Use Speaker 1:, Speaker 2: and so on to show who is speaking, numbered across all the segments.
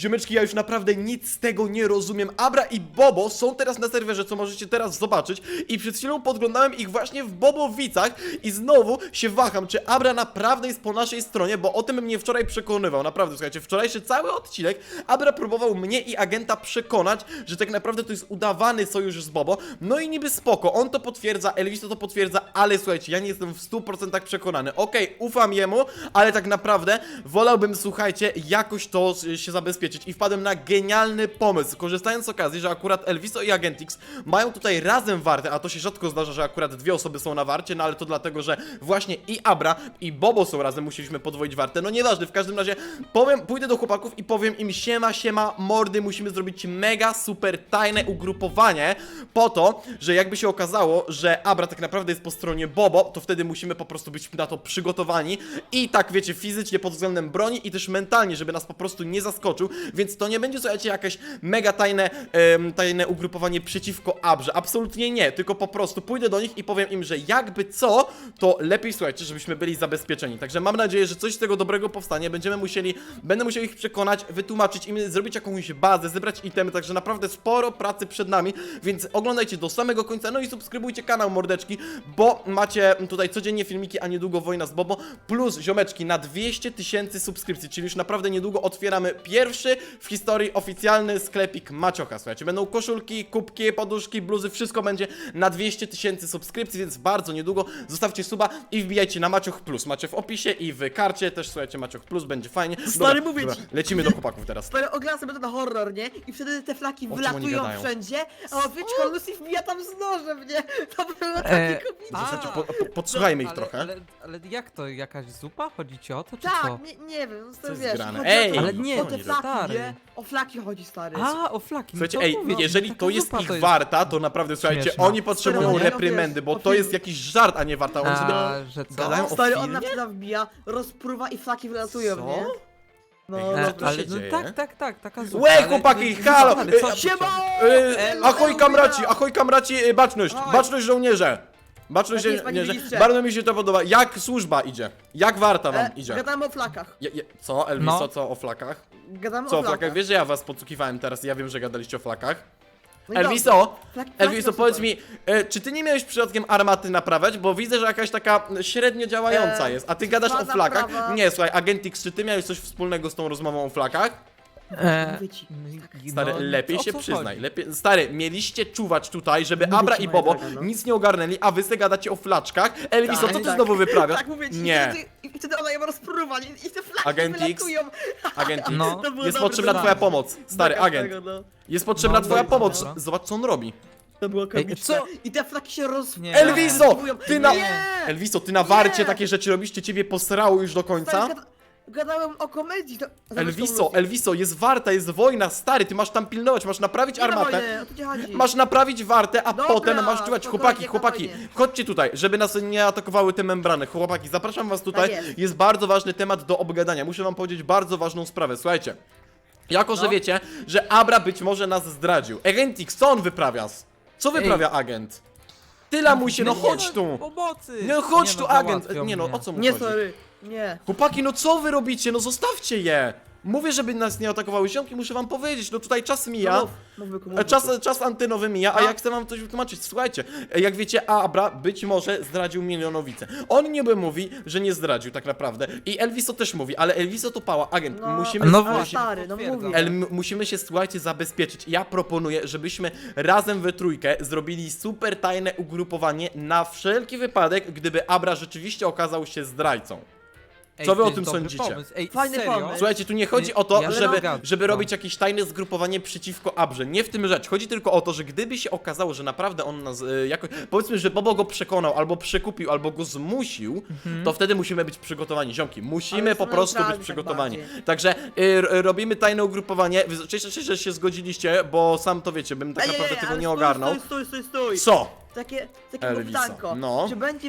Speaker 1: Ziomeczki, ja już naprawdę nic z tego nie rozumiem. Abra i Bobo są teraz na serwerze, co możecie teraz zobaczyć. I przed chwilą podglądałem ich właśnie w Bobowicach i znowu się waham, czy Abra naprawdę jest po naszej stronie, bo o tym mnie wczoraj przekonywał. Naprawdę, słuchajcie, wczorajszy cały odcinek Abra próbował mnie i agenta przekonać, że tak naprawdę to jest udawany sojusz z Bobo. No i niby spoko, on to potwierdza, Elviso to potwierdza, ale słuchajcie, ja nie jestem w 100% przekonany. Okej, ufam jemu, ale tak naprawdę wolałbym, słuchajcie, jakoś to się zabezpieczyć i wpadłem na genialny pomysł, korzystając z okazji, że akurat Elviso i Agentix mają tutaj razem wartę, a to się rzadko zdarza, że akurat dwie osoby są na warcie, no ale to dlatego, że właśnie i Abra i Bobo są razem, musieliśmy podwoić wartę, no nieważne, w każdym razie pójdę do chłopaków i powiem im siema mordy, musimy zrobić mega super tajne ugrupowanie po to, że jakby się okazało, że Abra tak naprawdę jest po stronie Bobo, to wtedy musimy po prostu być na to przygotowani i tak wiecie, fizycznie pod względem broni i też mentalnie, żeby nas po prostu nie zaskoczył, więc to nie będzie, słuchajcie, jakieś mega tajne ugrupowanie przeciwko Abrze, absolutnie nie, tylko po prostu pójdę do nich i powiem im, że jakby co, to lepiej, słuchajcie, żebyśmy byli zabezpieczeni, także mam nadzieję, że coś z tego dobrego powstanie, będę musiał ich przekonać, wytłumaczyć im, zrobić jakąś bazę, zebrać itemy, także naprawdę sporo pracy przed nami, więc oglądajcie do samego końca, no i subskrybujcie kanał, mordeczki, bo macie tutaj codziennie filmiki, a niedługo wojna z Bobo, plus ziomeczki na 200 000 subskrypcji, czyli już naprawdę niedługo otwieramy pierwszy w historii oficjalny sklepik Maciocha, słuchajcie, będą koszulki, kubki, poduszki, bluzy, wszystko będzie na 200 000 subskrypcji, więc bardzo niedługo zostawcie suba i wbijajcie na Macioch Plus, macie w opisie i w karcie też, słuchajcie, Macioch Plus, będzie fajnie.
Speaker 2: Stary, mówię ci.
Speaker 1: Lecimy do chłopaków teraz.
Speaker 2: Stary, oglądam sobie to na horror, nie? I wtedy te flaki
Speaker 1: O czym oni
Speaker 2: wylatują
Speaker 1: gadają?
Speaker 2: wszędzie, a odwieczko Lucy wbija tam z nożem, nie? To było takie komiczne.
Speaker 1: Słuchajcie, podsłuchajmy ich
Speaker 3: ale,
Speaker 1: trochę.
Speaker 3: ale jak to? Jakaś zupa? Chodzi ci o to, czy
Speaker 2: Tak,
Speaker 3: co?
Speaker 2: nie wiem, no stary,
Speaker 1: jest
Speaker 2: wiesz,
Speaker 1: grane?
Speaker 2: chodzi
Speaker 1: Ej,
Speaker 2: o to,
Speaker 3: ale nie,
Speaker 2: o te
Speaker 1: nie,
Speaker 2: flaki,
Speaker 3: stary.
Speaker 2: nie? O flaki chodzi, stary.
Speaker 3: A, o flaki.
Speaker 1: Słuchajcie,
Speaker 3: to
Speaker 1: ej,
Speaker 3: mówię,
Speaker 1: jeżeli
Speaker 3: taka
Speaker 1: to jest
Speaker 3: zupa
Speaker 1: ich
Speaker 3: to jest...
Speaker 1: warta, to naprawdę, słuchajcie,
Speaker 3: Śmieszne.
Speaker 1: oni potrzebują
Speaker 2: Stary,
Speaker 1: reprymendy, bo
Speaker 2: o
Speaker 1: to jest
Speaker 2: film.
Speaker 1: jakiś żart, a nie warta. Oni sobie
Speaker 3: A, że co?
Speaker 1: gadają o
Speaker 2: Stary, on
Speaker 1: filmie?
Speaker 2: na przykład wbija, rozpruwa i flaki wylatują,
Speaker 1: Co?
Speaker 2: nie? No,
Speaker 1: Ej,
Speaker 2: dobra.
Speaker 1: co to
Speaker 3: ale
Speaker 1: się
Speaker 3: no
Speaker 1: dzieje?
Speaker 3: tak, taka zupa.
Speaker 1: Łe,
Speaker 3: ale
Speaker 1: chłopaki,
Speaker 3: nie-
Speaker 1: halo!
Speaker 3: ale co-
Speaker 2: Siema!
Speaker 1: Ahoj kamraci, baczność,
Speaker 2: Ahoj.
Speaker 1: baczność żołnierze! Baczność
Speaker 2: Tak jest, panie
Speaker 1: żołnierze,
Speaker 2: ministrze.
Speaker 1: bardzo mi się to podoba. Jak służba idzie? Jak warta wam idzie?
Speaker 2: Gadamy o flakach.
Speaker 1: Co, Elviso,
Speaker 3: No.
Speaker 1: co o flakach?
Speaker 2: Gadamy
Speaker 1: Co
Speaker 2: o
Speaker 1: o flakach? Wiesz, że ja was podsłuchiwałem teraz i ja wiem, że gadaliście o flakach.
Speaker 2: No i
Speaker 1: Elviso,
Speaker 2: dobrze. Flaki
Speaker 1: Elviso,
Speaker 2: są
Speaker 1: powiedz
Speaker 2: super.
Speaker 1: mi, czy ty nie miałeś przypadkiem armaty naprawiać? Bo widzę, że jakaś taka średnio działająca jest, a ty gadasz o
Speaker 2: trwa
Speaker 1: flakach?
Speaker 2: naprawa.
Speaker 1: Nie, słuchaj, Agentix, czy ty miałeś coś wspólnego z tą rozmową o flakach?
Speaker 2: Mówię ci.
Speaker 1: Stary,
Speaker 3: no,
Speaker 1: lepiej
Speaker 3: o
Speaker 1: się
Speaker 3: co
Speaker 1: przyznaj,
Speaker 3: chodzi?
Speaker 1: Stary, mieliście czuwać tutaj, żeby
Speaker 2: Mówię
Speaker 1: Abra
Speaker 2: ci,
Speaker 1: i
Speaker 2: moja
Speaker 1: Bobo
Speaker 2: droga, no.
Speaker 1: nic nie ogarnęli, a wy se gadacie o flaczkach. Elviso,
Speaker 2: Tak,
Speaker 1: co ty
Speaker 2: tak.
Speaker 1: znowu wyprawiasz?
Speaker 2: Tak mówię ci,
Speaker 1: Nie.
Speaker 2: I wtedy ona ją rozpruwa i te flaki
Speaker 1: Agent X.
Speaker 2: wylatują.
Speaker 1: Agent X,
Speaker 3: No.
Speaker 2: To było
Speaker 1: jest
Speaker 2: dobre,
Speaker 1: potrzebna
Speaker 2: to
Speaker 1: twoja
Speaker 2: było.
Speaker 1: pomoc. Stary,
Speaker 2: Zobacz
Speaker 1: agent.
Speaker 2: tego, no.
Speaker 1: Jest potrzebna
Speaker 3: No,
Speaker 1: twoja
Speaker 3: dobra,
Speaker 1: pomoc.
Speaker 3: dobra.
Speaker 1: Zobacz, co on robi.
Speaker 2: To było komiczne.
Speaker 3: co?
Speaker 2: I te flaki się
Speaker 3: Nie.
Speaker 1: Elviso, ty na...
Speaker 2: Nie!
Speaker 1: Elviso, ty na warcie
Speaker 2: Nie!
Speaker 1: takie rzeczy robisz, czy ciebie posrało już do końca?
Speaker 2: Stary, gadałem o komedii. To...
Speaker 1: Elviso, jest warta, jest wojna, stary, ty masz tam pilnować, masz naprawić armatę.
Speaker 2: O to ci chodzi.
Speaker 1: Masz naprawić wartę, a
Speaker 2: Dobra,
Speaker 1: potem masz czuwać.
Speaker 2: spokojnie,
Speaker 1: Chłopaki,
Speaker 2: spokojnie.
Speaker 1: chodźcie tutaj, żeby nas nie atakowały te membrany. Chłopaki, zapraszam was tutaj.
Speaker 2: Tak
Speaker 1: Jest bardzo ważny temat do obgadania. Muszę wam powiedzieć bardzo ważną sprawę. Słuchajcie, jako że
Speaker 2: No.
Speaker 1: wiecie, że Abra być może nas zdradził. Agentix, co on wyprawia? Co wyprawia agent? Tyle mu się, no chodź tu.
Speaker 3: Pomocy!
Speaker 1: No chodź tu, agent.
Speaker 3: załatwią
Speaker 1: Nie no,
Speaker 3: mnie.
Speaker 1: o co mu
Speaker 2: Nie,
Speaker 1: chodzi?
Speaker 2: sorry. Nie.
Speaker 1: Chłopaki, no co wy robicie? No zostawcie je! Mówię, żeby nas nie atakowały ziomki, muszę wam powiedzieć, no tutaj czas mija. Czas antenowy mija, a
Speaker 2: No.
Speaker 1: ja chcę wam coś wytłumaczyć. Słuchajcie, jak wiecie, Abra być może zdradził milionowicę. On niby mówi, że nie zdradził tak naprawdę. I Elviso też mówi, ale Elviso to pała. Agent,
Speaker 2: No.
Speaker 1: musimy...
Speaker 3: No
Speaker 2: Ale
Speaker 3: właśnie,
Speaker 2: stary, no
Speaker 3: potwierdzam.
Speaker 2: mówię.
Speaker 1: Musimy się, słuchajcie, zabezpieczyć. Ja proponuję, żebyśmy razem we trójkę zrobili super tajne ugrupowanie na wszelki wypadek, gdyby Abra rzeczywiście okazał się zdrajcą.
Speaker 3: Ej,
Speaker 1: Co wy
Speaker 3: to
Speaker 1: o
Speaker 3: jest
Speaker 1: tym
Speaker 3: dobry
Speaker 1: sądzicie?
Speaker 3: Pomysł. Ej,
Speaker 2: Fajny
Speaker 3: serio?
Speaker 2: pomysł.
Speaker 1: Słuchajcie, tu nie chodzi
Speaker 3: Nie,
Speaker 1: o to,
Speaker 3: ja się
Speaker 1: żeby,
Speaker 3: zgadzam.
Speaker 1: żeby robić jakieś tajne zgrupowanie przeciwko Abrze. Nie w tym rzecz. Chodzi tylko o to, że gdyby się okazało, że naprawdę on nas jakoś... Powiedzmy, że Bobo go przekonał, albo przekupił, albo go zmusił, to wtedy musimy być przygotowani. Ziomki, musimy
Speaker 2: Ale
Speaker 1: po
Speaker 2: są
Speaker 1: prostu być
Speaker 2: neutralni tak
Speaker 1: przygotowani.
Speaker 2: bardziej.
Speaker 1: Także robimy tajne ugrupowanie. Cieszę się, że się zgodziliście, bo sam to wiecie, bym tak naprawdę tego nie ogarnął.
Speaker 2: Stój.
Speaker 1: Co?
Speaker 2: takie
Speaker 1: Elviso,
Speaker 2: pytanko.
Speaker 1: no.
Speaker 2: Czy będzie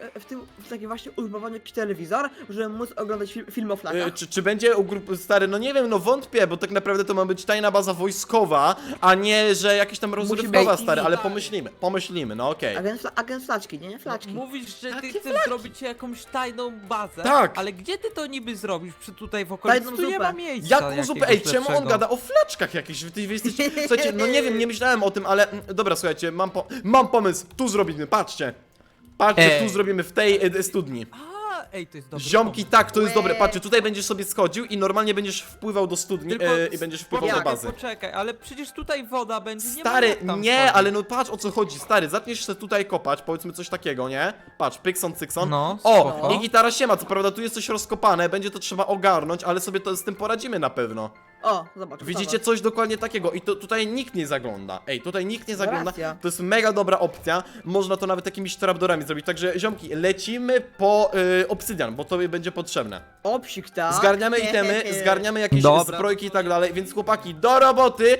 Speaker 2: w takim właśnie ugrupowaniu jakiś telewizor, żeby móc oglądać film o flagach?
Speaker 1: Czy będzie u grupy stary, no nie wiem, no wątpię, bo tak naprawdę to ma być tajna baza wojskowa, a nie, że jakaś tam rozrywkowa,
Speaker 2: być
Speaker 1: stary, ale
Speaker 3: TV.
Speaker 1: pomyślimy, no okej.
Speaker 2: Agent Flaczki, nie Flaczki.
Speaker 3: Mówisz, że ty
Speaker 1: Jakie
Speaker 3: chcesz zrobić jakąś tajną bazę,
Speaker 1: Tak.
Speaker 3: ale gdzie ty to niby zrobisz? Tutaj w okolicy
Speaker 2: Tajną
Speaker 3: tu nie
Speaker 2: zupę.
Speaker 3: ma miejsca
Speaker 1: Jaką zupę?
Speaker 3: jakiegoś
Speaker 1: Ej, czemu on
Speaker 3: lepszego.
Speaker 1: gada o flaczkach jakichś? Wy jesteście... Słuchajcie, no nie wiem, nie myślałem o tym, ale... Dobra, słuchajcie, mam pomysł, tu zrobimy, patrzcie. Patrzcie, tu
Speaker 3: Ej.
Speaker 1: zrobimy, w tej studni.
Speaker 3: A, ej, to jest dobry
Speaker 1: Ziomki,
Speaker 3: pomysł.
Speaker 1: tak, to jest
Speaker 2: Łe.
Speaker 1: dobre. Patrzcie, tutaj będziesz sobie schodził i normalnie będziesz wpływał do studni
Speaker 3: Tylko
Speaker 1: i będziesz wpływał do
Speaker 3: poczekaj,
Speaker 1: bazy.
Speaker 3: Poczekaj, ale przecież tutaj woda będzie, nie ma
Speaker 1: Stary,
Speaker 3: jak tam
Speaker 1: nie,
Speaker 3: wchodzić.
Speaker 1: ale no patrz o co chodzi, stary, zaczniesz się tutaj kopać, powiedzmy coś takiego, nie? Patrz, pykson, cykson.
Speaker 3: No,
Speaker 1: O,
Speaker 3: spoko.
Speaker 1: i gitara siema, co prawda tu jest coś rozkopane, będzie to trzeba ogarnąć, ale sobie to z tym poradzimy na pewno.
Speaker 2: O, zobacz.
Speaker 1: Widzicie coś dokładnie takiego i to tutaj nikt nie zagląda. Ej, tutaj nikt nie zagląda.
Speaker 2: racja.
Speaker 1: To jest mega dobra opcja. Można to nawet jakimiś trapdorami zrobić. Także ziomki, lecimy po obsydian, bo to będzie potrzebne.
Speaker 2: Obsik, tak?
Speaker 1: Zgarniamy itemy, zgarniamy jakieś
Speaker 3: Dobra.
Speaker 1: zbrojki i tak dalej, więc chłopaki, do roboty,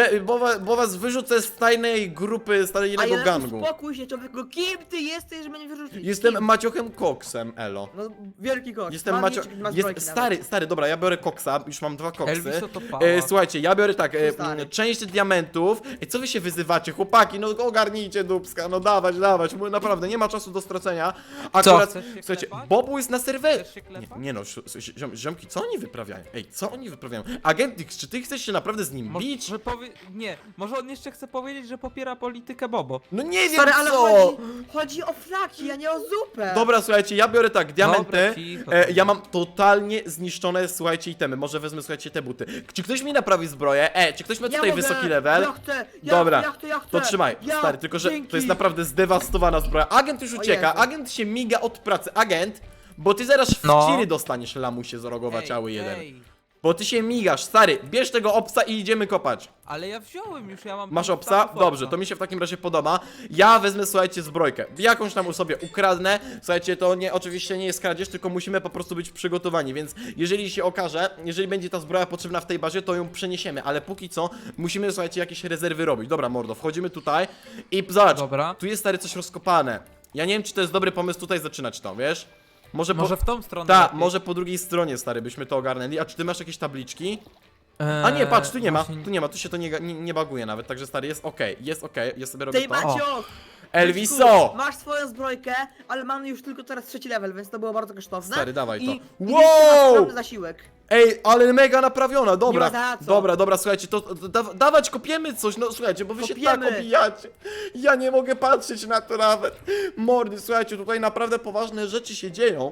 Speaker 1: bo was wyrzucę z tajnej grupy, z tajnego
Speaker 2: Ale
Speaker 1: gangu.
Speaker 2: uspokój się, człowieku, kim ty jesteś, żeby mnie wyrzucić?
Speaker 1: Jestem
Speaker 2: Kim?
Speaker 1: Maciochem Koksem, elo.
Speaker 2: No, wielki koks.
Speaker 1: Jestem
Speaker 2: Ma
Speaker 1: Macio...
Speaker 2: mieczyk, ma zbrojki
Speaker 1: Stary, dobra, ja biorę koksa, już mam 2 koksy.
Speaker 3: Elviso to pała.
Speaker 1: Słuchajcie, ja biorę tak,
Speaker 2: Stary.
Speaker 1: część diamentów. Co wy się wyzywacie, chłopaki? No ogarnijcie dupska, no dawać, bo naprawdę nie ma czasu do stracenia. Akurat,
Speaker 3: Chcesz się
Speaker 1: słuchajcie,
Speaker 3: klepać?
Speaker 1: Bobu jest na serwerze.
Speaker 3: Chcesz się klepać?
Speaker 1: Nie no, ziomki, co oni wyprawiają? Ej, co oni wyprawiają? Agent X, czy ty chcesz się naprawdę z nim bić?
Speaker 3: Nie, może on jeszcze chce powiedzieć, że popiera politykę Bobo.
Speaker 1: No nie wiem
Speaker 2: Stary, ale
Speaker 1: co!
Speaker 2: chodzi o flaki, a nie o zupę.
Speaker 1: Dobra, słuchajcie, ja biorę tak, diamenty.
Speaker 3: Dobra, cicho.
Speaker 1: Ja mam totalnie zniszczone, słuchajcie, itemy. Może wezmę, słuchajcie, te buty. Czy ktoś mi naprawi zbroję? Czy ktoś ma
Speaker 2: Ja
Speaker 1: tutaj
Speaker 2: mogę,
Speaker 1: wysoki level?
Speaker 2: Ja chcę,
Speaker 1: Dobra,
Speaker 2: ja chcę.
Speaker 1: to trzymaj,
Speaker 2: Ja,
Speaker 1: stary, tylko że
Speaker 2: dzięki.
Speaker 1: to jest naprawdę zdewastowana zbroja. Agent już
Speaker 2: O
Speaker 1: ucieka,
Speaker 2: Jezu.
Speaker 1: agent się miga od pracy. Agent, bo ty zaraz w
Speaker 3: No.
Speaker 1: ciry dostaniesz, lamusie zrogowaciały jeden.
Speaker 3: Ej,
Speaker 1: Bo ty się migasz, stary, bierz tego obsa i idziemy kopać.
Speaker 3: ale ja wziąłem już, ja mam...
Speaker 1: Masz
Speaker 3: tam
Speaker 1: obsa?
Speaker 3: stawów
Speaker 1: Dobrze, to mi się w takim razie podoba. Ja wezmę, słuchajcie, zbrojkę. Jakąś tam sobie ukradnę. Słuchajcie, to oczywiście nie jest kradzież, tylko musimy po prostu być przygotowani, więc jeżeli się okaże, jeżeli będzie ta zbroja potrzebna w tej bazie, to ją przeniesiemy, ale póki co musimy, słuchajcie, jakieś rezerwy robić. Dobra, mordo, wchodzimy tutaj i zobacz,
Speaker 3: Dobra.
Speaker 1: tu jest, stary, coś rozkopane. Ja nie wiem, czy to jest dobry pomysł tutaj zaczynać to, wiesz? Może
Speaker 3: Może w tą stronę
Speaker 1: Tak,
Speaker 3: lepiej.
Speaker 1: może po drugiej stronie, stary, byśmy to ogarnęli. A czy ty masz jakieś tabliczki? A nie, patrz, tu nie ma,
Speaker 3: właśnie-
Speaker 1: tu nie ma, tu się to nie baguje nawet, także stary, jest okej, ja sobie robię
Speaker 2: Tej
Speaker 1: to.
Speaker 2: Macio!
Speaker 1: Elviso!
Speaker 2: Masz swoją zbrojkę, ale mamy już tylko teraz 3 level, więc to było bardzo kosztowne.
Speaker 1: Stary, dawaj to.
Speaker 2: I
Speaker 1: Wow!
Speaker 2: wow! Mamy zasiłek.
Speaker 1: Ej, ale mega naprawiona, dobra,
Speaker 2: Nie ma za co.
Speaker 1: dobra, słuchajcie, to dawać, kopiemy coś, no słuchajcie, bo wy się tak
Speaker 2: Kopiemy.
Speaker 1: obijacie. Ja nie mogę patrzeć na to nawet. Mordy, słuchajcie, tutaj naprawdę poważne rzeczy się dzieją.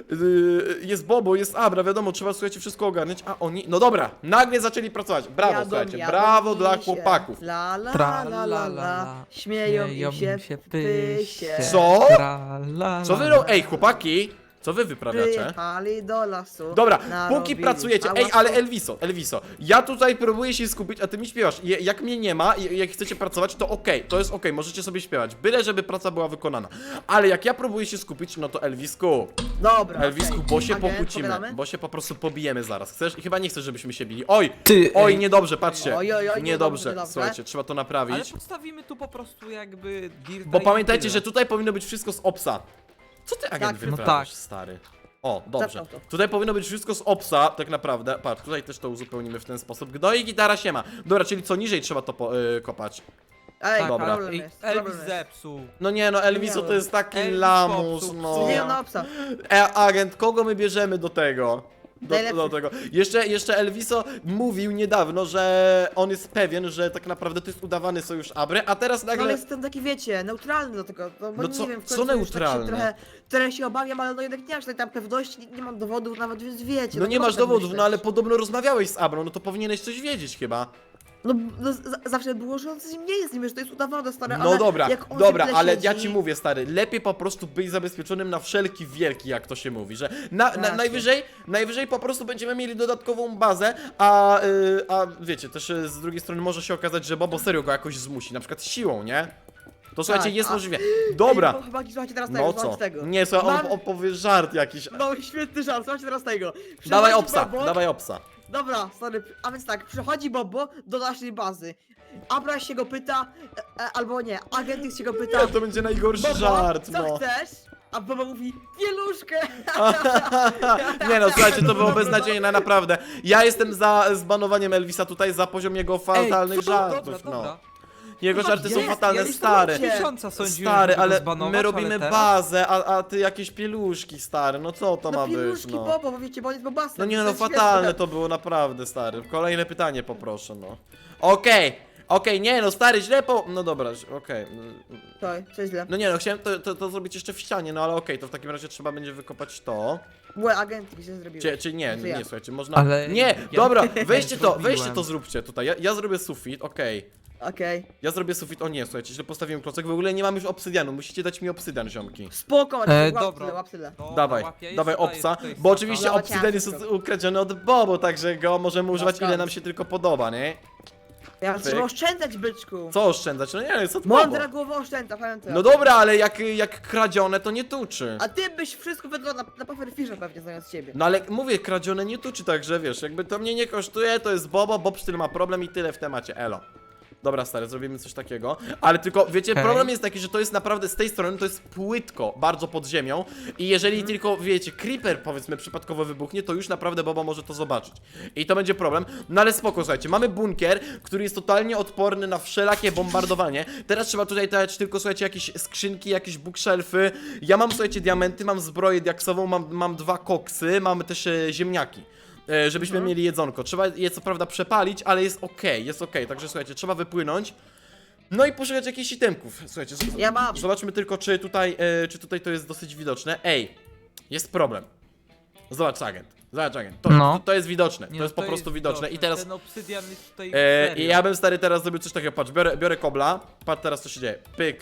Speaker 1: Jest Bobo, jest Abra, wiadomo, trzeba, słuchajcie, wszystko ogarnąć, a oni, no dobra, nagle zaczęli pracować. Brawo,
Speaker 2: Jadą,
Speaker 1: słuchajcie,
Speaker 2: jadą
Speaker 1: brawo
Speaker 2: mi
Speaker 1: dla
Speaker 2: się.
Speaker 1: chłopaków.
Speaker 2: La la
Speaker 3: Tra,
Speaker 2: la la la. Śmieją
Speaker 3: Śmieją
Speaker 2: im się
Speaker 3: się
Speaker 2: w pysie.
Speaker 1: Co?
Speaker 3: Tra, la,
Speaker 1: Co wy
Speaker 3: la.
Speaker 1: Ej, chłopaki, co wy wyprawiacie?
Speaker 2: Przyjechali do lasu.
Speaker 1: Dobra,
Speaker 2: narobili
Speaker 1: póki pracujecie, ej,
Speaker 2: hałasu.
Speaker 1: ale Elviso, ja tutaj próbuję się skupić, a ty mi śpiewasz. Jak mnie nie ma, jak chcecie pracować, to okej, to jest okej, możecie sobie śpiewać, byle żeby praca była wykonana. Ale jak ja próbuję się skupić, no to Elvisku,
Speaker 2: Dobra,
Speaker 1: Elvisku,
Speaker 2: okej.
Speaker 1: bo się
Speaker 2: Agent,
Speaker 1: pokłócimy,
Speaker 2: pogadamy?
Speaker 1: bo się po prostu pobijemy zaraz. Chcesz? I chyba nie chcesz, żebyśmy się bili. Oj,
Speaker 3: Ty,
Speaker 1: oj,
Speaker 3: ej.
Speaker 1: niedobrze, patrzcie.
Speaker 2: Oj, oj, oj,
Speaker 1: Niedobrze,
Speaker 2: niedobrze.
Speaker 1: słuchajcie, trzeba to
Speaker 3: Ale
Speaker 1: naprawić.
Speaker 3: podstawimy tu po prostu jakby dirta
Speaker 1: Bo
Speaker 3: i
Speaker 1: pamiętajcie,
Speaker 3: tyle.
Speaker 1: że tutaj powinno być wszystko z obsa. Co ty, agent,
Speaker 2: Tak, no
Speaker 1: wyprawiasz,
Speaker 3: tak.
Speaker 1: stary? O, dobrze.
Speaker 2: Zaczął to.
Speaker 1: Tutaj powinno być wszystko z obsa, tak naprawdę. Patrz, tutaj też to uzupełnimy w ten sposób. Gno i gitara siema. Dobra, czyli co niżej trzeba to kopać.
Speaker 2: Ej,
Speaker 3: Tak,
Speaker 1: Dobra.
Speaker 2: problem
Speaker 3: Ej,
Speaker 2: jest.
Speaker 3: Elvis
Speaker 2: Problem jest.
Speaker 3: zepsuł.
Speaker 1: No nie no, Elviso to jest taki
Speaker 3: Elvis
Speaker 1: lamus,
Speaker 3: popsuł.
Speaker 1: no.
Speaker 2: Nie na obsa.
Speaker 1: Agent, kogo my bierzemy do tego? Do
Speaker 2: Najlepszy.
Speaker 1: tego. Jeszcze Elviso mówił niedawno, że on jest pewien, że tak naprawdę to jest udawany sojusz Abry, a teraz
Speaker 2: No, ale
Speaker 1: nagle...
Speaker 2: jestem taki, wiecie, neutralny do tego. No, bo
Speaker 1: No
Speaker 2: nie
Speaker 1: co-
Speaker 2: wiem, w
Speaker 1: co
Speaker 2: końcu już
Speaker 1: neutralny?
Speaker 2: Tak się trochę się obawiam, ale no jednak nie aż tak tam pewności, nie mam dowodów nawet, więc wiecie.
Speaker 1: No nie
Speaker 2: można
Speaker 1: masz
Speaker 2: tak
Speaker 1: dowodów,
Speaker 2: myśleć.
Speaker 1: no ale podobno rozmawiałeś z Abrą, no to powinieneś coś wiedzieć chyba.
Speaker 2: No, zawsze było, że on z nim nie jest, nie wiesz, to jest udawane, stare,
Speaker 1: No
Speaker 2: ale
Speaker 1: dobra,
Speaker 2: jak on
Speaker 1: dobra,
Speaker 2: tyle
Speaker 1: ale
Speaker 2: siedzi,
Speaker 1: ja ci mówię, stary, lepiej po prostu być zabezpieczonym na wszelki wielki, jak to się mówi, że
Speaker 2: Racja.
Speaker 1: najwyżej po prostu będziemy mieli dodatkową bazę, a wiecie, też z drugiej strony może się okazać, że Bobo serio go jakoś zmusi, na przykład siłą, nie? To słuchajcie,
Speaker 2: Tak,
Speaker 1: jest
Speaker 2: a-
Speaker 1: możliwe. Dobra,
Speaker 2: Ej, chyba słuchajcie teraz
Speaker 1: no
Speaker 2: tego,
Speaker 1: co?
Speaker 2: słuchajcie tego.
Speaker 1: Nie, słuchaj, on
Speaker 2: Mam-
Speaker 1: opowie żart jakiś.
Speaker 2: No świetny żart, słuchajcie teraz tego.
Speaker 1: Dawaj
Speaker 2: Przychodzi
Speaker 1: obsa,
Speaker 2: Bobo,
Speaker 1: dawaj obsa.
Speaker 2: Dobra, sorry, a więc tak, przychodzi Bobo do naszej bazy. Abra się go pyta, albo nie, agent X się go pyta.
Speaker 1: Nie, to będzie najgorszy
Speaker 2: Bobo,
Speaker 1: żart,
Speaker 2: co
Speaker 1: no.
Speaker 2: chcesz? A Bobo mówi, pieluszkę.
Speaker 1: Nie no, słuchajcie, to było beznadziejne, naprawdę. Ja jestem za zbanowaniem Elvisa tutaj za poziom jego fatalnych żartów,
Speaker 3: Dobra,
Speaker 1: no.
Speaker 3: dobra.
Speaker 1: Jego
Speaker 2: No
Speaker 1: żarty są
Speaker 2: jest,
Speaker 1: fatalne,
Speaker 2: ja już
Speaker 1: stary.
Speaker 2: to
Speaker 3: Miesiąca sądziłem,
Speaker 1: Stary,
Speaker 3: żeby go
Speaker 1: ale
Speaker 3: zbanować,
Speaker 1: my robimy
Speaker 3: ale teraz...
Speaker 1: bazę, a ty jakieś pieluszki, stary, no co to
Speaker 2: No
Speaker 1: ma być,
Speaker 2: pieluszki
Speaker 1: no.
Speaker 2: Bobo, bo wiecie, bo on jest bobasem.
Speaker 1: No nie
Speaker 2: to
Speaker 1: no,
Speaker 2: jest
Speaker 1: fatalne
Speaker 2: śmieszne.
Speaker 1: to było, naprawdę, stary. Kolejne pytanie poproszę, no. Okej, nie no, stary, źle no dobra, okej.
Speaker 2: To źle.
Speaker 1: No nie no, chciałem to zrobić jeszcze w ścianie, no ale okej, to w takim razie trzeba będzie wykopać to.
Speaker 2: Łe, agent X się zrobił.
Speaker 1: Czy nie,
Speaker 2: To ja.
Speaker 1: nie, słuchajcie, można...
Speaker 3: Ale
Speaker 1: Nie,
Speaker 3: ja
Speaker 1: dobra,
Speaker 3: nie
Speaker 1: weźcie
Speaker 3: zrobiłem.
Speaker 1: to zróbcie tutaj, ja zrobię sufit, okej.
Speaker 2: Okej.
Speaker 1: Ja zrobię sufit, o nie, słuchajcie, źle postawiłem klocek, w ogóle nie mam już obsydianu, musicie dać mi obsydian, ziomki.
Speaker 2: Spoko, łap
Speaker 3: dobra.
Speaker 2: tyle, łap tyle.
Speaker 3: Dobra,
Speaker 1: Dawaj,
Speaker 3: łapię, jest
Speaker 1: dawaj
Speaker 3: tutaj,
Speaker 1: obsa,
Speaker 3: jest tutaj
Speaker 1: bo
Speaker 3: saka.
Speaker 1: oczywiście
Speaker 2: Dawaj,
Speaker 1: obsydian jest
Speaker 2: ciastko.
Speaker 1: ukradziony od Bobo, także go możemy używać ile nam się tylko podoba, nie?
Speaker 2: Ja
Speaker 1: Pyk.
Speaker 2: trzeba oszczędzać, byczku.
Speaker 1: Co oszczędzać? No nie, co to
Speaker 2: Mądra
Speaker 1: Bobo?
Speaker 2: głowa oszczędza, pamiętaj.
Speaker 1: No dobra, ale jak kradzione to nie tuczy.
Speaker 2: A ty byś wszystko wydał na Pufferfisha pewnie zamiast ciebie.
Speaker 1: No ale mówię, kradzione nie tuczy, także wiesz, jakby to mnie nie kosztuje, to jest Bobo, Bob styl ma problem i tyle w temacie, elo. Dobra, stary, zrobimy coś takiego, ale tylko, wiecie,
Speaker 3: Okej.
Speaker 1: problem jest taki, że to jest naprawdę, z tej strony to jest płytko, bardzo pod ziemią i jeżeli tylko, wiecie, creeper, powiedzmy, przypadkowo wybuchnie, to już naprawdę Bobo może to zobaczyć. I to będzie problem, no ale spoko, słuchajcie, mamy bunkier, który jest totalnie odporny na wszelakie bombardowanie. Teraz trzeba tutaj dać tylko, słuchajcie, jakieś skrzynki, jakieś bookshelfy. Ja mam, słuchajcie, diamenty, mam zbroję diaksową, mam 2 koksy, mamy też ziemniaki. Żebyśmy mieli jedzonko. Trzeba je co prawda przepalić, ale jest okej. Także słuchajcie, trzeba wypłynąć. No i poszukać jakichś itemków. Słuchajcie,
Speaker 2: Ja mam.
Speaker 1: zobaczmy tylko, czy tutaj to jest dosyć widoczne. Ej, jest problem. Zobacz, agent.
Speaker 3: No.
Speaker 1: To jest widoczne.
Speaker 3: Nie,
Speaker 1: To jest po prostu widoczne. I teraz.
Speaker 3: Ten obsydian jest tutaj
Speaker 1: I
Speaker 3: serio.
Speaker 1: ja bym stary teraz zrobił coś takiego. Patrz, biorę kobla. Patrz teraz co się dzieje.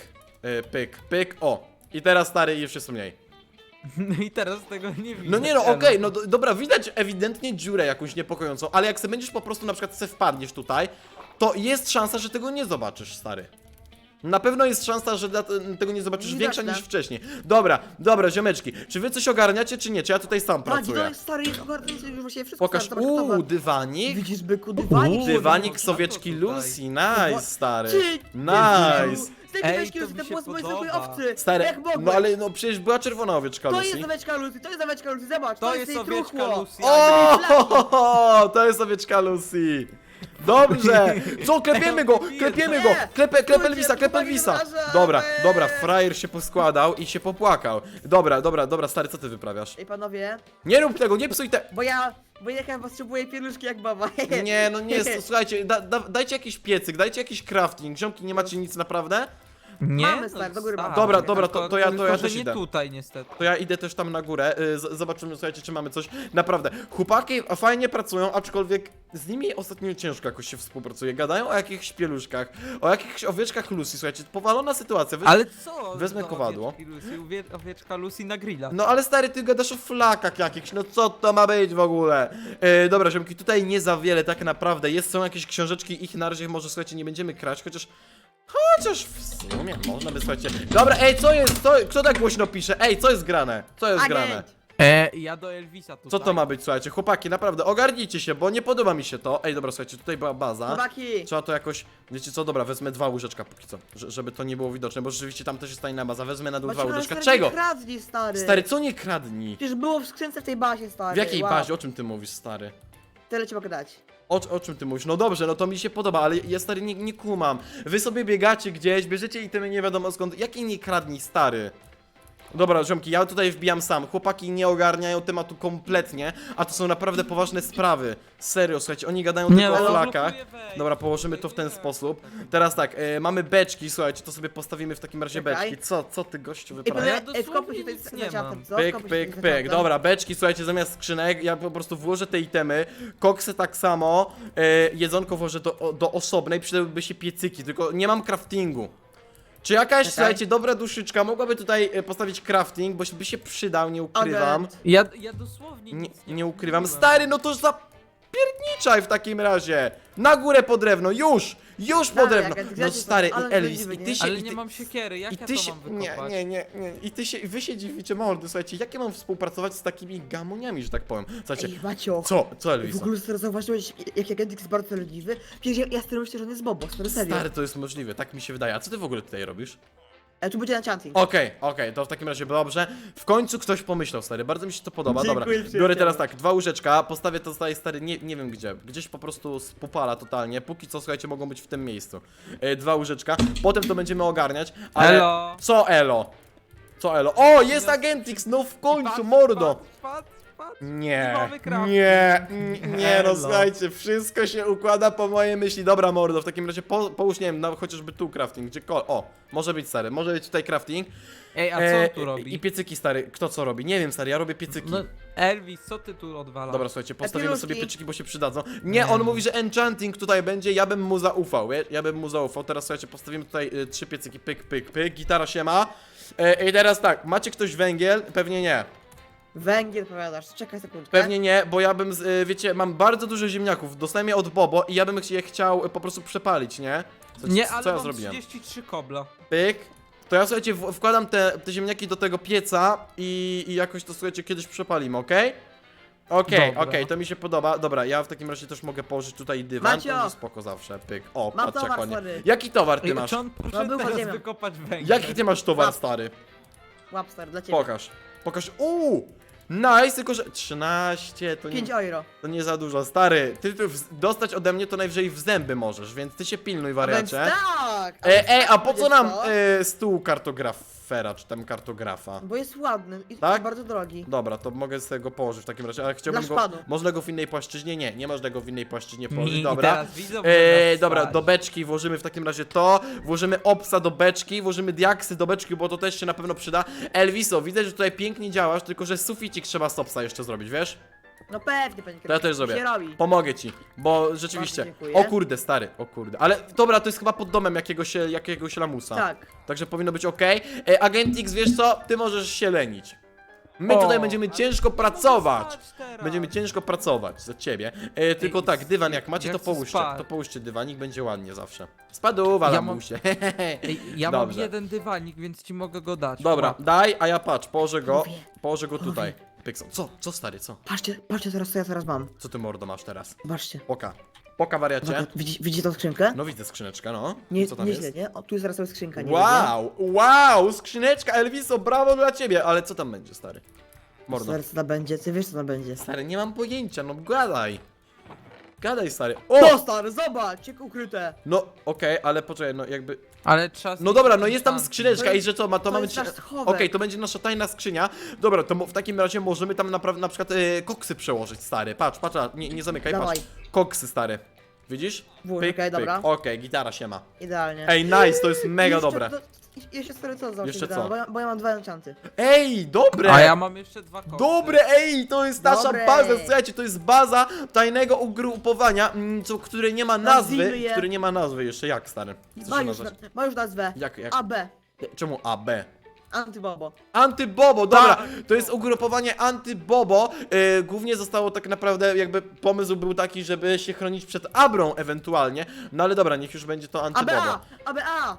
Speaker 1: Pyk. O. I teraz stary już jest mniej.
Speaker 3: No i teraz tego nie widzę.
Speaker 1: No nie no,
Speaker 3: Elo.
Speaker 1: okej, no dobra, widać ewidentnie dziurę jakąś niepokojącą, ale jak sobie będziesz po prostu na przykład wpadniesz tutaj, to jest szansa, że tego nie zobaczysz, stary. Na pewno jest szansa, że tego nie zobaczysz
Speaker 2: Widoczne.
Speaker 1: większa niż wcześniej. Dobra, ziomeczki, czy wy coś ogarniacie, czy nie? Czy ja tutaj sam
Speaker 2: Tak, to
Speaker 1: pracuję?
Speaker 2: jest stary, jest ogarnięty już właściwie wszystko.
Speaker 1: Pokaż,
Speaker 2: stary, zobacz, gotowe.
Speaker 1: dywanik.
Speaker 2: Widzisz, byku, dywanik.
Speaker 1: Dywanik
Speaker 3: no,
Speaker 1: sowieczki
Speaker 3: no to tutaj.
Speaker 1: Lucy, nice, stary.
Speaker 2: Ty,
Speaker 1: Nice.
Speaker 2: Z tej
Speaker 3: Ej,
Speaker 2: owieczki
Speaker 3: to
Speaker 2: Lucy,
Speaker 3: mi
Speaker 2: to
Speaker 3: się
Speaker 2: było z mojej
Speaker 3: podoba.
Speaker 2: zwykłej owcy.
Speaker 1: Stary,
Speaker 2: Jak mogłeś?
Speaker 1: no ale no przecież była czerwona owieczka
Speaker 2: To
Speaker 1: Lucy.
Speaker 2: jest owieczka Lucy, to jest owieczka Lucy, zobacz,
Speaker 3: To
Speaker 2: jest
Speaker 3: jest
Speaker 2: jej
Speaker 3: owieczka
Speaker 2: truchło.
Speaker 3: Lucy.
Speaker 1: O, to jest owieczka Lucy. Dobrze! Co, klepiemy go!
Speaker 2: Nie!
Speaker 1: Klepę
Speaker 2: Stójcie,
Speaker 1: Elvisa,
Speaker 2: chłopaki,
Speaker 1: Elvisa!
Speaker 2: wrażamy!
Speaker 1: Dobra, frajer się poskładał i się popłakał. Dobra, stary, co ty wyprawiasz?
Speaker 2: Ej, panowie,
Speaker 1: Nie rób tego, nie psuj te...
Speaker 2: bo ja potrzebuję pieluszki jak baba.
Speaker 1: Nie, no nie, słuchajcie, dajcie jakiś piecyk, dajcie jakiś crafting. Ziomki, nie macie nic naprawdę?
Speaker 3: Nie,
Speaker 2: Mamy, stary, do góry mamy.
Speaker 1: Dobra,
Speaker 3: tylko-
Speaker 1: to ja
Speaker 3: tylko, że
Speaker 1: też
Speaker 3: nie
Speaker 1: idę.
Speaker 3: tutaj niestety.
Speaker 1: To ja idę też tam na górę, zobaczymy, słuchajcie, czy mamy coś. Naprawdę, chłopaki fajnie pracują, aczkolwiek z nimi ostatnio ciężko jakoś się współpracuje. Gadają o jakichś pieluszkach, o jakichś owieczkach Lucy, słuchajcie, powalona sytuacja.
Speaker 3: Ale co?
Speaker 1: wezmę
Speaker 3: za
Speaker 1: kowadło.
Speaker 3: owieczki Lucy? Owieczka Lucy na grilla.
Speaker 1: No ale stary, ty gadasz o flakach jakichś, no co to ma być w ogóle? Dobra, ziomki, tutaj nie za wiele tak naprawdę, są jakieś książeczki, ich na razie może, słuchajcie, nie będziemy kraść, chociaż w sumie można by, słuchajcie. Dobra, ej, co jest, kto tak głośno pisze? Ej, co jest grane? Co jest grane?
Speaker 2: Agent.
Speaker 3: Ja do Elvisa tutaj.
Speaker 1: Co to ma być, słuchajcie, chłopaki, naprawdę, ogarnijcie się, bo nie podoba mi się to. Ej, dobra, słuchajcie, tutaj była baza.
Speaker 2: Chłopaki,
Speaker 1: Trzeba to jakoś, wiecie co, dobra, wezmę 2 łyżeczka póki co, żeby to nie było widoczne, bo rzeczywiście tam też jest tajna baza, wezmę na dół 2
Speaker 2: Macie
Speaker 1: łyżeczka.
Speaker 2: stary,
Speaker 1: Czego?
Speaker 2: nie kradnij, stary.
Speaker 1: Stary, co nie kradnij?
Speaker 2: Przecież było w skrzynce w tej bazie, stary.
Speaker 1: W jakiej
Speaker 2: Wow.
Speaker 1: bazie, o czym ty mówisz, stary?
Speaker 2: Tyle ci mogę dać.
Speaker 1: O czym ty mówisz? No dobrze, no to mi się podoba, ale ja stary nie kumam. Wy sobie biegacie gdzieś, bierzecie itemy nie wiadomo skąd, jakiej nie kradnij, stary? Dobra, ziomki, ja tutaj wbijam sam. Chłopaki nie ogarniają tematu kompletnie, a to są naprawdę poważne sprawy. Serio, słuchajcie, oni gadają tylko
Speaker 3: ale
Speaker 1: o
Speaker 3: on
Speaker 1: flakach.
Speaker 3: blokuje wejście.
Speaker 1: Dobra, położymy to w ten sposób. Teraz tak, mamy beczki, słuchajcie, to sobie postawimy w takim razie
Speaker 2: Czekaj.
Speaker 1: beczki. Co ty gościu
Speaker 2: Ej,
Speaker 1: wyprawiasz?
Speaker 2: panowie,
Speaker 3: dosłownie
Speaker 2: wkopmy się
Speaker 3: nic
Speaker 2: tutaj
Speaker 3: nie
Speaker 2: za ciastem,
Speaker 3: mam.
Speaker 2: co?
Speaker 1: Pyk,
Speaker 2: Wkopmy się
Speaker 1: pyk,
Speaker 2: tutaj za
Speaker 1: pyk.
Speaker 2: ciastem.
Speaker 1: Dobra, beczki, słuchajcie, zamiast skrzynek, ja po prostu włożę te itemy, koksy tak samo, jedzonko włożę do osobnej, przydałyby się piecyki, tylko nie mam craftingu. Czy jakaś,
Speaker 2: Czekaj.
Speaker 1: słuchajcie, dobra duszyczka mogłaby tutaj postawić crafting, bo by się przydał, nie ukrywam.
Speaker 2: Agent.
Speaker 3: Ja dosłownie
Speaker 1: Nie,
Speaker 3: nic
Speaker 1: nie ukrywam.
Speaker 3: kupiłem.
Speaker 1: Stary, no to zapierniczaj w takim razie. Na górę po drewno, już! Już po
Speaker 2: Dalej,
Speaker 1: drewno.
Speaker 2: Agent,
Speaker 1: No
Speaker 2: gdzie
Speaker 1: stary,
Speaker 2: są? Ale
Speaker 1: i Elvis,
Speaker 2: sprawiedliwy,
Speaker 1: i ty
Speaker 2: nie?
Speaker 1: się...
Speaker 3: Ale
Speaker 1: i
Speaker 3: nie
Speaker 1: ty-
Speaker 3: mam siekiery, jak
Speaker 1: I
Speaker 3: ja
Speaker 1: ty
Speaker 3: to
Speaker 1: się...
Speaker 3: mam wykopać?
Speaker 1: Nie. I wy się dziwicie mordy, słuchajcie, jak ja mam współpracować z takimi gamoniami, że tak powiem. Słuchajcie,
Speaker 2: Ej, Macio.
Speaker 1: co Elvis?
Speaker 2: W ogóle teraz zauważyłeś, jak Agent jest bardzo leniwy? Przecież ja stary myślę, że on jest Bobo, serio.
Speaker 1: Stary, to jest możliwe, tak mi się wydaje. A co ty w ogóle tutaj robisz?
Speaker 2: Tu będzie enchanting.
Speaker 1: Okej, to w takim razie dobrze. W końcu ktoś pomyślał, stary, bardzo mi się to podoba. Dobra,
Speaker 2: Dziękuję,
Speaker 1: biorę
Speaker 2: przyjacielu.
Speaker 1: teraz tak, 2 łyżeczka, postawię to tutaj, stary, nie wiem gdzie. Gdzieś po prostu spupala totalnie. Póki co, słuchajcie, mogą być w tym miejscu. 2 łyżeczka, potem to będziemy ogarniać, ale...
Speaker 3: Elo!
Speaker 1: Co elo? Co elo? O, jest Agentix, no w końcu, mordo!
Speaker 3: Patrz.
Speaker 1: Nie,
Speaker 3: Nowy crafting.
Speaker 1: nie, no
Speaker 3: Elo.
Speaker 1: słuchajcie, wszystko się układa po mojej myśli. Dobra, mordo, w takim razie połóż, nie wiem, no, chociażby tu crafting, gdziekolwiek. O, może być, stary, może być tutaj crafting.
Speaker 3: Ej, a co on tu robi?
Speaker 1: I piecyki, stary, kto co robi? Nie wiem, stary, ja robię piecyki.
Speaker 3: No, Elvis, co ty tu odwalasz?
Speaker 1: Dobra, słuchajcie, postawimy
Speaker 2: Piluszki.
Speaker 1: sobie pieczyki, bo się przydadzą. Nie, on mówi, że enchanting tutaj będzie, ja bym mu zaufał, wiesz? Ja bym mu zaufał. Teraz, słuchajcie, postawimy tutaj 3 piecyki, pyk, gitara się ma. I teraz tak, macie ktoś węgiel? Pewnie nie.
Speaker 2: Węgiel powiadasz, czekaj sekundkę.
Speaker 1: Pewnie nie, bo ja bym, wiecie, mam bardzo dużo ziemniaków, dostałem je od Bobo i ja bym je chciał po prostu przepalić, nie?
Speaker 3: Nie,
Speaker 1: Co
Speaker 3: ale
Speaker 1: ja
Speaker 3: mam
Speaker 1: zrobiłem?
Speaker 3: 33 kobla.
Speaker 1: Pyk. To ja, słuchajcie, wkładam te ziemniaki do tego pieca i jakoś to, słuchajcie, kiedyś przepalimy, okej? Okej,
Speaker 3: Dobra.
Speaker 1: to mi się podoba. Dobra, ja w takim razie też mogę położyć tutaj dywan,
Speaker 2: Macio!
Speaker 1: to będzie spoko zawsze, pyk. O,
Speaker 2: Mam
Speaker 1: patrz jak
Speaker 2: towar,
Speaker 1: ładnie.
Speaker 2: stary.
Speaker 1: Jaki towar ty
Speaker 3: Ej,
Speaker 1: masz?
Speaker 3: czy on
Speaker 2: No,
Speaker 3: poszedł
Speaker 2: był
Speaker 3: teraz
Speaker 2: podziemia.
Speaker 3: wykopać węgiel?
Speaker 1: Jaki ty masz towar,
Speaker 2: Patrz.
Speaker 1: stary?
Speaker 2: Łapster, dla ciebie.
Speaker 1: Pokaż. Nice, tylko że 13, to nie...
Speaker 2: 5 euro.
Speaker 1: To nie za dużo, stary. Ty tu dostać ode mnie to najwyżej w zęby możesz, więc ty się pilnuj,
Speaker 2: Więc
Speaker 1: wariacie.
Speaker 2: tak!
Speaker 1: A po co nam
Speaker 2: Wiesz
Speaker 1: stół kartografera, czy tam kartografa?
Speaker 2: Bo jest ładny i
Speaker 1: Tak?
Speaker 2: bardzo drogi.
Speaker 1: Dobra, to mogę sobie go położyć w takim razie, ale chciałbym
Speaker 2: Dla
Speaker 1: go...
Speaker 2: szpadu.
Speaker 1: Można go w innej płaszczyźnie? Nie można go w innej płaszczyźnie położyć,
Speaker 3: I
Speaker 1: dobra.
Speaker 3: teraz widzą,
Speaker 1: Dobra, do beczki włożymy w takim razie to, włożymy obsa do beczki, włożymy diaksy do beczki, bo to też się na pewno przyda. Elviso, widzę, że tutaj pięknie działasz, tylko że suficik trzeba z obsa jeszcze zrobić, wiesz?
Speaker 2: No pewnie, panie
Speaker 1: To ja też
Speaker 2: się
Speaker 1: zrobię.
Speaker 2: robi.
Speaker 1: Pomogę ci, bo rzeczywiście.
Speaker 2: Bardzo dziękuję.
Speaker 1: O kurde, stary, o kurde. Ale dobra, to jest chyba pod domem jakiegoś lamusa.
Speaker 2: Tak.
Speaker 1: Także powinno być ok. Agentix, wiesz co? Ty możesz się lenić. My
Speaker 3: O,
Speaker 1: tutaj będziemy
Speaker 3: ale
Speaker 1: ciężko
Speaker 3: nie
Speaker 1: pracować.
Speaker 3: mogę spać teraz.
Speaker 1: Będziemy ciężko pracować za ciebie. Tylko
Speaker 3: Ej,
Speaker 1: tak, dywan jak macie,
Speaker 3: ja
Speaker 1: to
Speaker 3: chcę
Speaker 1: połóżcie.
Speaker 3: spać.
Speaker 1: To połóżcie dywanik, będzie ładnie zawsze. Spaduwa,
Speaker 3: Ja
Speaker 1: lamusie.
Speaker 3: Ej, ja
Speaker 1: Dobrze.
Speaker 3: mam jeden dywanik, więc ci mogę go dać.
Speaker 1: Dobra,
Speaker 3: Łap.
Speaker 1: daj, a ja patrz,
Speaker 2: Mówię.
Speaker 1: położę go tutaj. Pykson. Co stary, co?
Speaker 2: Patrzcie teraz, co ja teraz mam.
Speaker 1: Co ty mordo masz teraz?
Speaker 2: Zobaczcie.
Speaker 1: Poka wariacie.
Speaker 2: Uwaga, widzicie tą skrzynkę?
Speaker 1: No widzę skrzyneczkę, no.
Speaker 2: Nie,
Speaker 1: Co tam
Speaker 2: nieźle,
Speaker 1: jest?
Speaker 2: nie? O, tu jest zaraz sobie skrzynka, nie?
Speaker 1: Wow, skrzyneczka Elviso, brawo dla ciebie, ale co tam będzie, stary? Mordo.
Speaker 2: Zaraz co tam będzie, ty wiesz co tam będzie.
Speaker 1: Stary, nie mam pojęcia, no gadaj. Gadaj, stary.
Speaker 2: O,
Speaker 1: O!
Speaker 2: stary, zobacz, jak ukryte.
Speaker 1: No, okej, ale poczekaj, no jakby...
Speaker 3: Ale trzeba...
Speaker 1: No dobra, no jest tam
Speaker 3: Tam.
Speaker 1: skrzyneczka i że co, to mamy...
Speaker 2: jest nasz schowek.
Speaker 1: Okej, to będzie nasza tajna skrzynia. Dobra, to w takim razie możemy tam na przykład koksy przełożyć, stary. Patrz, nie zamykaj,
Speaker 2: Dawaj.
Speaker 1: patrz. Koksy, stary. Widzisz?
Speaker 2: Włóż, okej, dobra.
Speaker 1: Okej, gitara się ma.
Speaker 2: Idealnie.
Speaker 1: Ej, nice, to jest mega
Speaker 2: Jeszcze
Speaker 1: dobre.
Speaker 2: Jeszcze stary co za
Speaker 1: Jeszcze
Speaker 2: dałem,
Speaker 1: co?
Speaker 2: Bo ja mam 2 enchanty.
Speaker 1: Ej, dobre!
Speaker 3: A ja mam jeszcze 2 koksy.
Speaker 1: Dobre, ej, to jest nasza
Speaker 2: Dobre.
Speaker 1: baza, słuchajcie, to jest baza tajnego ugrupowania, które nie ma nazwy,
Speaker 2: Nazwijmy je.
Speaker 1: które nie ma nazwy jeszcze, jak stary? Co
Speaker 2: Ma
Speaker 1: się
Speaker 2: już,
Speaker 1: nazwać?
Speaker 2: ma już nazwę.
Speaker 1: Jak?
Speaker 2: AB.
Speaker 1: Czemu AB?
Speaker 2: Antybobo.
Speaker 1: Antybobo, dobra,
Speaker 3: Tak.
Speaker 1: to jest ugrupowanie Antybobo, głównie zostało tak naprawdę, jakby pomysł był taki, żeby się chronić przed Abrą ewentualnie, no ale dobra, niech już będzie to Antybobo.
Speaker 2: ABA!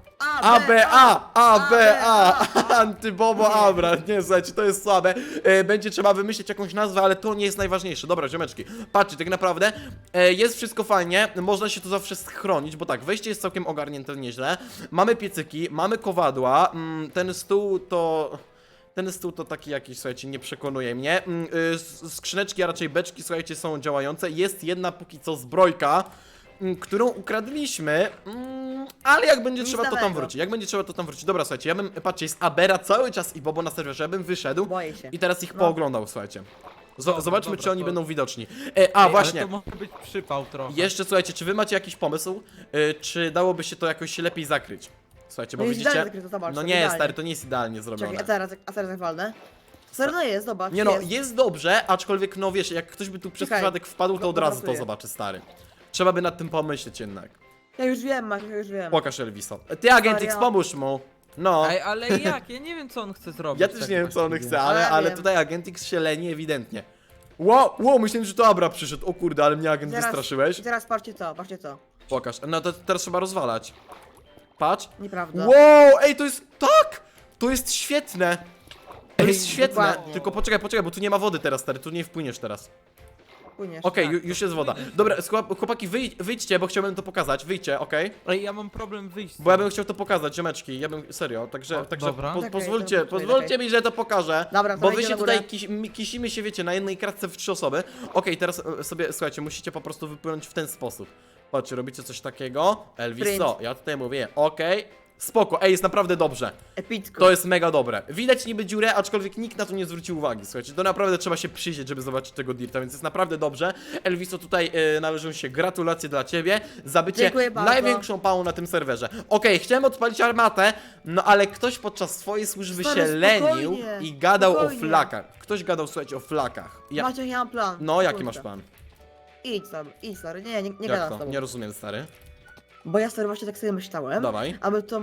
Speaker 1: ABA, Antybobo Abra, nie, słuchajcie, to jest słabe. Będzie trzeba wymyślić jakąś nazwę, ale to nie jest najważniejsze. Dobra, ziomeczki, patrzcie, tak naprawdę jest wszystko fajnie, można się tu zawsze schronić, bo tak, wejście jest całkiem ogarnięte nieźle. Mamy piecyki, mamy kowadła, ten stół to taki jakiś, słuchajcie, nie przekonuje mnie. Skrzyneczki, a raczej beczki, słuchajcie, są działające. Jest jedna póki co zbrojka, którą ukradliśmy, ale jak będzie
Speaker 2: Nic
Speaker 1: trzeba, to tam
Speaker 2: nowego.
Speaker 1: wróci. Jak będzie trzeba, to tam wróci. Dobra, słuchajcie, ja bym, patrzcie, jest Abera cały czas i Bobo na serwerze, ja bym wyszedł
Speaker 2: Boję się.
Speaker 1: i teraz ich
Speaker 2: No.
Speaker 1: pooglądał, słuchajcie.
Speaker 3: Dobra,
Speaker 1: Zobaczmy,
Speaker 3: dobra,
Speaker 1: czy oni
Speaker 3: to-
Speaker 1: będą widoczni.
Speaker 3: Ej,
Speaker 1: Właśnie.
Speaker 3: Ale to może być przypał trochę.
Speaker 1: Jeszcze, słuchajcie, czy wy macie jakiś pomysł, czy dałoby się to jakoś lepiej zakryć? Słuchajcie, bo
Speaker 2: No jest
Speaker 1: widzicie,
Speaker 2: idealnie zakryte, zobacz,
Speaker 1: no
Speaker 2: to
Speaker 1: nie,
Speaker 2: idealnie.
Speaker 1: stary, to nie jest idealnie zrobione.
Speaker 2: Czekaj, a teraz jak walnę? Stary, no jest, zobacz.
Speaker 1: Nie no, jest dobrze, aczkolwiek no wiesz, jak ktoś by tu przez
Speaker 2: Czekaj,
Speaker 1: przypadek wpadł, to od razu to
Speaker 2: gotuję.
Speaker 1: zobaczy, stary. Trzeba by nad tym pomyśleć jednak.
Speaker 2: Ja już wiem, Maciek, ja już wiem.
Speaker 1: Pokaż Elviso. Ty, Agentix,
Speaker 2: Serio?
Speaker 1: pomóż mu. No.
Speaker 3: Ej, ale jak? Ja nie wiem, co on chce zrobić.
Speaker 1: Ja też
Speaker 3: tak
Speaker 1: nie wiem, co on
Speaker 3: właściwie.
Speaker 1: chce, ale
Speaker 2: Ale wiem.
Speaker 1: tutaj Agentix się leni ewidentnie. Wow, myślałem, że to Abra przyszedł. O kurde, ale mnie agent wystraszyłeś.
Speaker 2: Teraz patrzcie to.
Speaker 1: Pokaż. No to teraz trzeba rozwalać. Patrz.
Speaker 2: Nieprawda.
Speaker 1: Wow, ej, to jest... Tak! To jest świetne. To jest
Speaker 3: Ej,
Speaker 1: świetne.
Speaker 2: dokładnie.
Speaker 1: Tylko poczekaj, bo tu nie ma wody teraz, stary. Tu nie wpłyniesz teraz.
Speaker 2: Płyniesz,
Speaker 1: Okej,
Speaker 2: tak.
Speaker 1: już jest woda. Dobra, chłopaki, wyjdźcie, bo chciałbym to pokazać. Wyjdźcie, okej?
Speaker 3: Ej, ja mam problem wyjść.
Speaker 1: Bo ja bym chciał to pokazać, ziomeczki. Ja bym, serio, także
Speaker 3: O, dobra.
Speaker 2: Okej,
Speaker 1: pozwólcie,
Speaker 2: dobra,
Speaker 1: pozwólcie mi, że to pokażę.
Speaker 2: Dobra,
Speaker 1: Bo
Speaker 2: to
Speaker 1: wy
Speaker 2: idę
Speaker 1: się
Speaker 2: na górę.
Speaker 1: tutaj kisimy się, wiecie, na jednej kratce w 3 osoby. Okej, teraz sobie, słuchajcie, musicie po prostu wypłynąć w ten sposób. Patrzcie, robicie coś takiego. Elvis,
Speaker 2: Sprint.
Speaker 1: co? Ja tutaj mówię, okej. Spoko, ej, jest naprawdę dobrze.
Speaker 2: Epicko.
Speaker 1: To jest mega dobre. Widać niby dziurę, aczkolwiek nikt na to nie zwrócił uwagi. Słuchajcie, to naprawdę trzeba się przyjrzeć, żeby zobaczyć tego dirta, więc jest naprawdę dobrze. Elviso, tutaj należą się gratulacje dla ciebie za bycie
Speaker 2: Dziękuję bardzo.
Speaker 1: największą pałą na tym serwerze. Okej, chciałem odpalić armatę, no ale ktoś podczas swojej służby
Speaker 2: Stary,
Speaker 1: się lenił
Speaker 2: spokojnie,
Speaker 1: i gadał
Speaker 2: spokojnie.
Speaker 1: o flakach. Ktoś gadał, słuchajcie, o flakach.
Speaker 2: Macie, ja mam plan.
Speaker 1: No, jaki
Speaker 2: Kurczę.
Speaker 1: masz plan?
Speaker 2: Idź tam, stary. Nie
Speaker 1: Jak
Speaker 2: gadam z
Speaker 1: to?
Speaker 2: tobą.
Speaker 1: Nie rozumiem, stary.
Speaker 2: Bo ja stary właśnie tak sobie myślałem,
Speaker 1: Dawaj.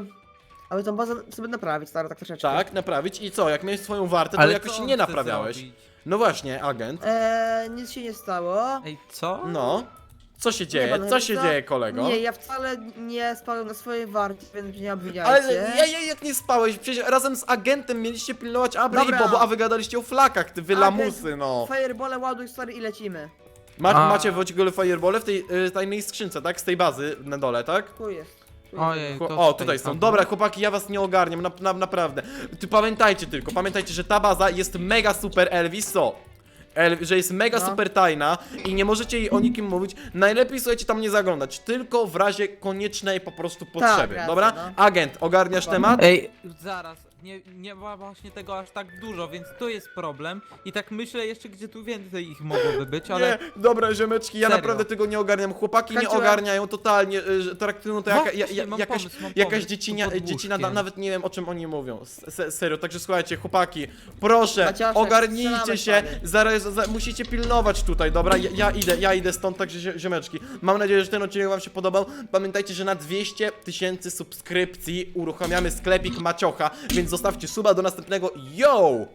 Speaker 2: aby tą bazę sobie naprawić, stary, tak troszeczkę.
Speaker 1: Tak, naprawić i co? Jak miałeś swoją wartę, to
Speaker 3: Ale
Speaker 1: jakoś
Speaker 3: co
Speaker 1: się
Speaker 3: on
Speaker 1: nie
Speaker 3: chce
Speaker 1: naprawiałeś.
Speaker 3: zrobić?
Speaker 1: No właśnie, agent.
Speaker 2: Nic się nie stało.
Speaker 3: Ej, co?
Speaker 1: No. Co się dzieje?
Speaker 2: panowie,
Speaker 1: Co się
Speaker 2: co?
Speaker 1: dzieje, kolego?
Speaker 2: Nie, ja wcale nie spałem na swojej warcie, więc mnie nie
Speaker 1: Ale
Speaker 2: obwiniajcie.
Speaker 1: jak nie spałeś? Przecież razem z agentem mieliście pilnować Abry
Speaker 2: Dobra.
Speaker 1: i Bobo, a wy gadaliście o flakach, ty wy
Speaker 2: Agent,
Speaker 1: lamusy, no.
Speaker 2: Firebole ładuj, stary, i lecimy.
Speaker 1: Macie w ogóle firebole w tej tajnej skrzynce, tak? Z tej bazy na dole, tak?
Speaker 2: Tu jest.
Speaker 3: Ojej, to
Speaker 1: O, tutaj są. Dobra, chłopaki, ja was nie ogarniam, naprawdę. Pamiętajcie tylko, że ta baza jest mega super, Elvis, co? Że jest mega
Speaker 2: No.
Speaker 1: super tajna i nie możecie jej o nikim mówić. Najlepiej, słuchajcie, tam nie zaglądać, tylko w razie koniecznej po prostu potrzeby,
Speaker 2: racja,
Speaker 1: dobra?
Speaker 2: no.
Speaker 1: Agent, ogarniasz
Speaker 2: Dokładnie.
Speaker 1: temat?
Speaker 3: Ej, zaraz, nie ma właśnie tego aż tak dużo, więc to jest problem. I tak myślę jeszcze, gdzie tu więcej ich mogłoby być, ale...
Speaker 1: Nie, dobra, ziomeczki, ja
Speaker 3: Serio.
Speaker 1: naprawdę tego nie ogarniam. Chłopaki nie
Speaker 2: Skończyłem.
Speaker 1: ogarniają totalnie, że traktują to
Speaker 3: Właśnie, mam pomysł,
Speaker 1: jakaś
Speaker 3: pod
Speaker 1: dziecina,
Speaker 3: łóżkiem.
Speaker 1: nawet nie wiem o czym oni mówią. Serio, także słuchajcie, chłopaki, proszę,
Speaker 2: Maciaszek,
Speaker 1: ogarnijcie
Speaker 2: strzelamy,
Speaker 1: się,
Speaker 2: stary.
Speaker 1: zaraz musicie pilnować tutaj, dobra? Ja idę stąd, także ziomeczki. Mam nadzieję, że ten odcinek wam się podobał. Pamiętajcie, że na 200 000 subskrypcji uruchamiamy sklepik Maciocha, więc zostawcie suba do następnego. Yo!